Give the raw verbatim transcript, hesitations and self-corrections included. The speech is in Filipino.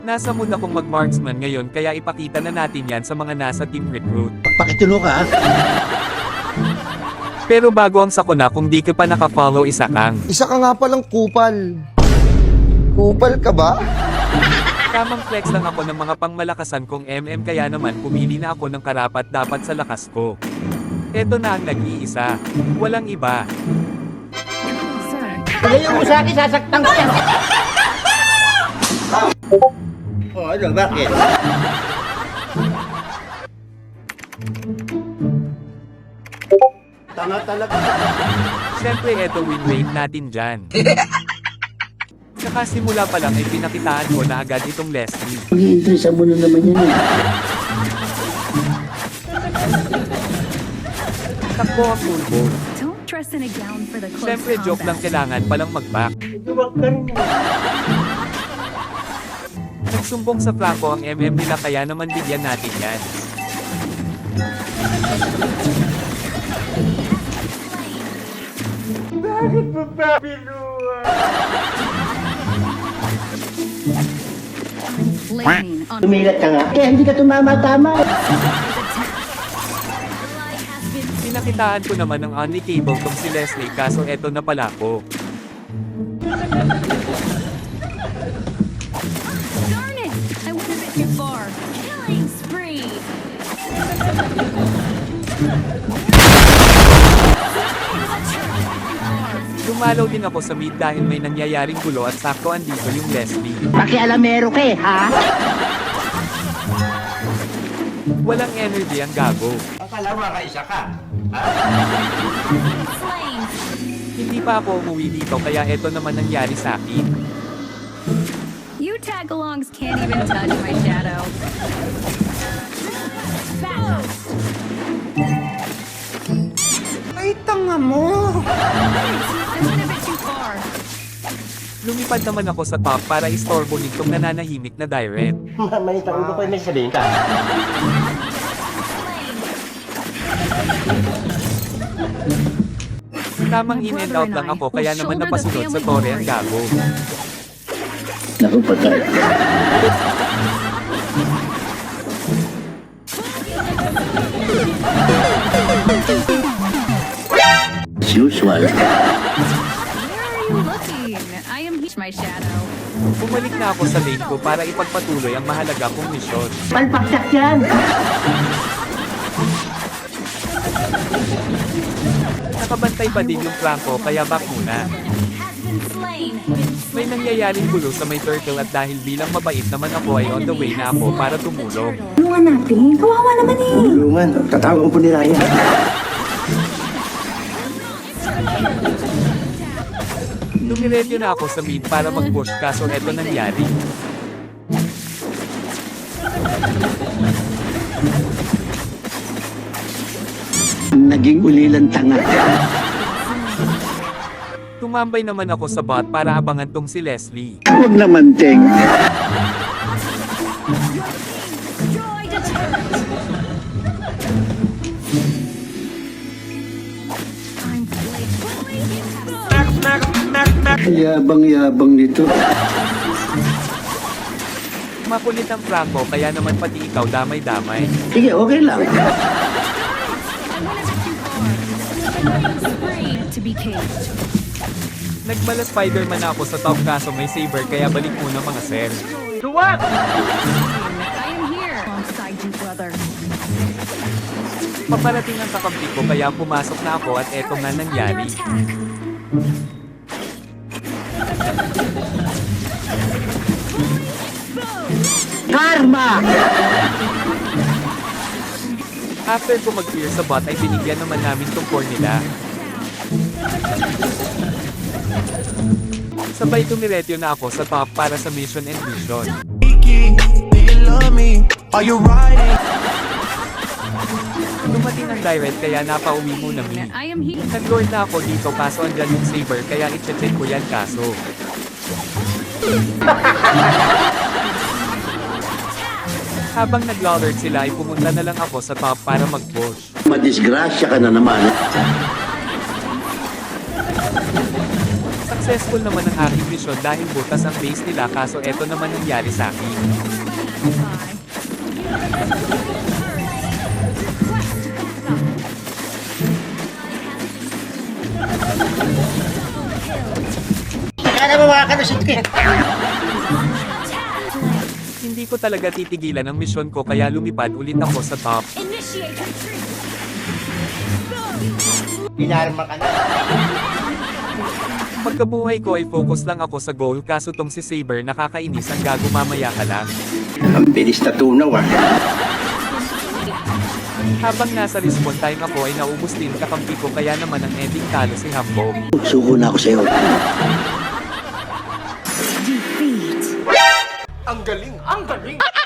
Nasa mood akong mag-marksman ngayon kaya ipakita na natin yan sa mga nasa team recruit. Pakitulo ka, ha? Pero bago ang sakuna kung di ka pa nakafollow isa kang. Isa ka nga palang kupal. Kupal ka ba? Tamang flex lang ako ng mga pangmalakasan kong M M kaya naman pumili na ako ng karapat dapat sa lakas ko. Eto na ang nag-iisa. Walang iba. Ilayo mo sa akin, sasaktan ko yan. Oh, ano, bakit? Tanga talaga. Siyempre eto win rate natin dyan. Saka simula pa lang ay pinakitaan ko na agad itong Leslie. Mag-i-interest mo na naman yan eh. Takbo ang pulbo. Don't dress in a gown for the close Siyempre joke lang, combat. kailangan palang mag-back. Nagsumbong sa Franco ang M M nila kaya naman bigyan natin yan. Lightning on Tumilat ka nga. Kaya hindi ka tumama-tama. Pinakitaan ko naman ng only cable tong si Leslie kaso eto na pala ko. Darn it! I went a bit too far. Killing spree. Dumalaw din ako sa mid dahil may nangyayaring gulo at sakto andito yung Leslie. Pakialamero ka eh, ha? Walang energy ang gago. Akala mo kaisa ka. Slain. Hindi pa ako umuwi dito kaya eto naman nangyari sa akin. You tag-alongs can't even touch my shadow. Fast. Ay, tanga mo. I went a bit too far. Lumipad naman ako sa top para istorbo nitong nananahimik na direct. Mamay, tango ko may sabihin ka. Tamang in and out lang ako kaya naman napasunod sa tore ang gago. Naku, patay. As usual. Where are you looking? I am my shadow. Bumalik na ako sa lane ko para ipagpatuloy ang mahalaga kong misyon. Palpaksak yan. Nakabantay pa din yung Franco kaya back muna. Has been slain. May nangyayaring gulo sa may turtle at dahil bilang mabait naman ako ay on the way na ako para tumulong. Tulungan natin. Kawawa naman eh. Tulungan, tatawag po ni Raya. Dumiretso na ako sa mid para mag-push kaso eto nangyari. Naging ulilan tanga. Tumambay naman ako sa bot para abangan tong si Leslie. Huwag naman, Teng. Joy deterrent. I'm playing. Yabang-yabang nito. Makulit ang Franco kaya naman pati ikaw damay-damay. Sige, okay lang. I went a bit too far. Spree to be caged. Nagmala Spider-Man ako sa top kaso may saber kaya balik muna mga sir. I am here alongside you, brother. Paparating ang kakampi ko kaya pumasok na ako at eto nga nangyari. Karma! After ko mag-clear sa bot ay binigyan naman namin tong core nila. Sabay tumiretyo na ako sa top para sa mission and vision. Dumating ang direct kaya napauwi muna mi. I am here. Nag-lord na ako dito kaso andyan yung saber kaya i-check ko yan kaso. Habang nag-lord sila ay pumunta na lang ako sa top para mag-push. Madisgrasya ka na naman. Successful naman ang aking mission dahil butas ang base nila kaso eto naman nangyari sa akin. Kaya mo makakalusot ka eh. Hindi ko talaga titigilan ang mission ko kaya lumipad ulit ako sa top. Initiate retreat. Pinarma ka na. Pagkabuhay ko ay focus lang ako sa goal kaso tong si Saber nakakainis ang gago mamaya ka lang. Ang bilis na tunaw ah. Habang nasa respawn time ako ay naubos din kakampi ko kaya naman ang ending talo si Hambog. Suko na ako sa'yo. Defeat. Ang galing, ang galing.